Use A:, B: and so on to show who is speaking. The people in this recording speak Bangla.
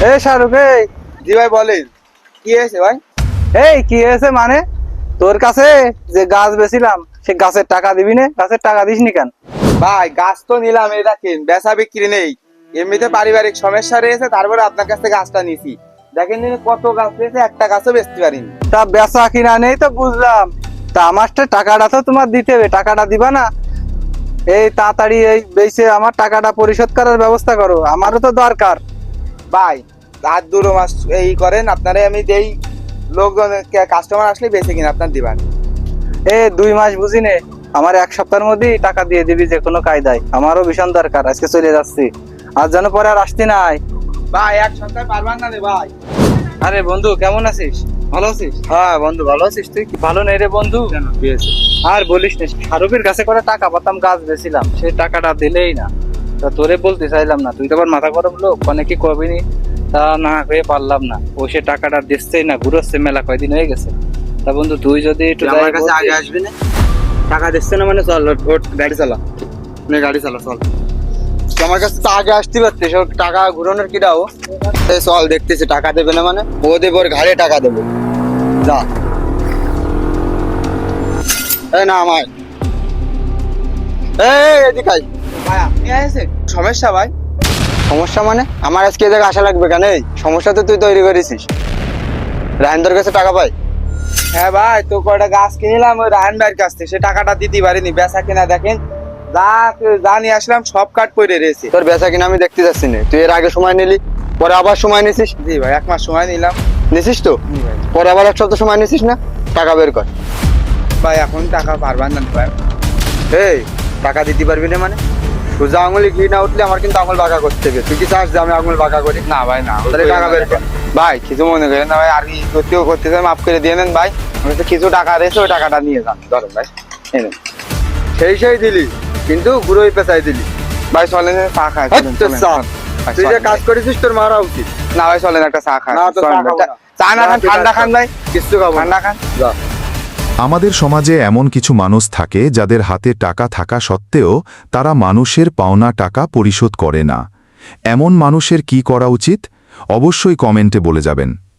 A: এই শাহরুখ,
B: জি ভাই বলেন, কি হয়েছে ভাই?
A: এই কি হয়েছে মানে? তোর কাছে যে গাছ বেছিলাম সে গাছের টাকা দিবি না? গাছের টাকা দিসনি কেন?
B: ভাই গাছ তো নিলাম, এই দেখেন বেচা বিক্রি নেই, এমনিতে পারিবারিক সমস্যা রয়েছে, তারপরে আপনার কাছ থেকে গাছটা নিছি। দেখেন দিনে কত গাছ রয়েছে, একটা গাছও বেচতে পারিনি।
A: তা বেচা কিনা নেই তো বুঝলাম, তা আমার টাকাটা তো তোমার দিতে হবে, টাকাটা দিবা না? এই তাড়াতাড়ি এই বেচে আমার টাকাটা পরিশোধ করার ব্যবস্থা করো, আমারও তো দরকার।
B: ভাই আর 2 মাস এই করেন, আপনারে আমি দেই, লোকজন কাস্টমার আসলে বেঁচে কিনা আপনার দিবেন।
A: 2 মাস বুঝি নে, আমার 1 সপ্তাহের মধ্যেই টাকা দিয়ে দিবি যে কোনো কায়দায়, আমারও ভীষণ দরকার, আজকে চলে যাচ্ছি, আর যেন পরে আর আসতে নাই।
B: ভাই 1 সপ্তাহ পারবেন না রে ভাই?
A: আরে বন্ধু, কেমন আছিস? ভালো আছিস?
B: হ্যাঁ বন্ধু, ভালো আছিস তুই?
A: ভালো নেই রে বন্ধু।
B: কেন কি হয়েছে?
A: আর বলিস না, শাহরুখের কাছে করে টাকা পাতাম, গাছ বেছিলাম, সেই টাকাটা দিলেই না। তা তোরে বলতে চাইলাম না, তুই তো আবার মাথা গরম লোক, অনেকে কবিনি, তা না হয়ে পারলাম না। ও সে টাকাটা দিচ্ছেই না, ঘুরোচ্ছে, মেলা কয়দিন হয়ে গেছে। তা বন্ধু তুই যদি একটু
B: আমার কাছে আগে আসবি না? টাকা দিচ্ছে না মানে চল, ওঠ গাড়ি চালা, নে গাড়ি চালা চল। তুই আমার কাছে তো আগে আসতে পারছিস, ওর টাকা ঘুরানোর কি দাও? এই চল, দেখতেছি টাকা দেবে না মানে, ও দেবে, ওর ঘাড়ে টাকা দেবে, যা। এই না আমার, এই এদিকে আয়। ভাই আপনি আসেন? সমস্যা ভাই? সমস্যা মানে আমার আজকে এই জায়গায় আসা লাগবে কেন? এই সমস্যা তো তুই তৈরি করেছিস। রায়নদার কাছে টাকা পাই? হ্যাঁ ভাই, তো কয়টা গাছ কিনলাম ওই রায়ন ভাইয়ের কাছ থেকে, সে টাকাটা দিতে পারিনি। বেচা কিনা দেখেন, যা নিয়ে আসলাম সব কাট পড়ে রয়েছে। তোর বেচা কিনা আমি দেখতে যাচ্ছি না, তুই এর আগে সময় নিলি, পরে আবার সময় নিছিস। জি ভাই, 1 মাস সময় নিলাম। নিছিস তো? পরে আবার 1 সপ্তাহ সময় নিছিস না? টাকা বের কর। ভাই এখন টাকা পারবেন না ভাই। এই টাকা দিতে পারবি না মানে? সোজা আঙুলে ঘি না উঠলে আমার কিন্তু আঙুল বাঁকা করতে হবে। তুই কি চাস যে আমি আঙুল বাঁকা করি? না ভাই না, তাহলে টাকা বের কর। ভাই কিছু মনে করেন না ভাই, আর কি করতেও করতে চাই, মাফ করে দিয়ে নেন ভাই। আমার কাছে কিছু টাকা রয়েছে, ওই টাকাটা নিয়ে যান, ধরেন ভাই, এনেন। সেই দিলি, কিন্তু ঘুরোই পেঁচাই দিলি। ভাই চলেন চা খাই। তুই যে কাজ করেছিস তোর মারা উচিত। না ভাই চলেন একটা চা খাই। না তো চা না খান, ঠান্ডা খান ভাই। কিছু খাবো, ঠান্ডা খান, যা।
C: আমাদের সমাজে এমন কিছু মানুষ থাকে যাদের হাতে টাকা থাকা সত্ত্বেও তারা মানুষের পাওনা টাকা পরিশোধ করে না। এমন মানুষের কি করা উচিত? অবশ্যই কমেন্টে বলে যাবেন।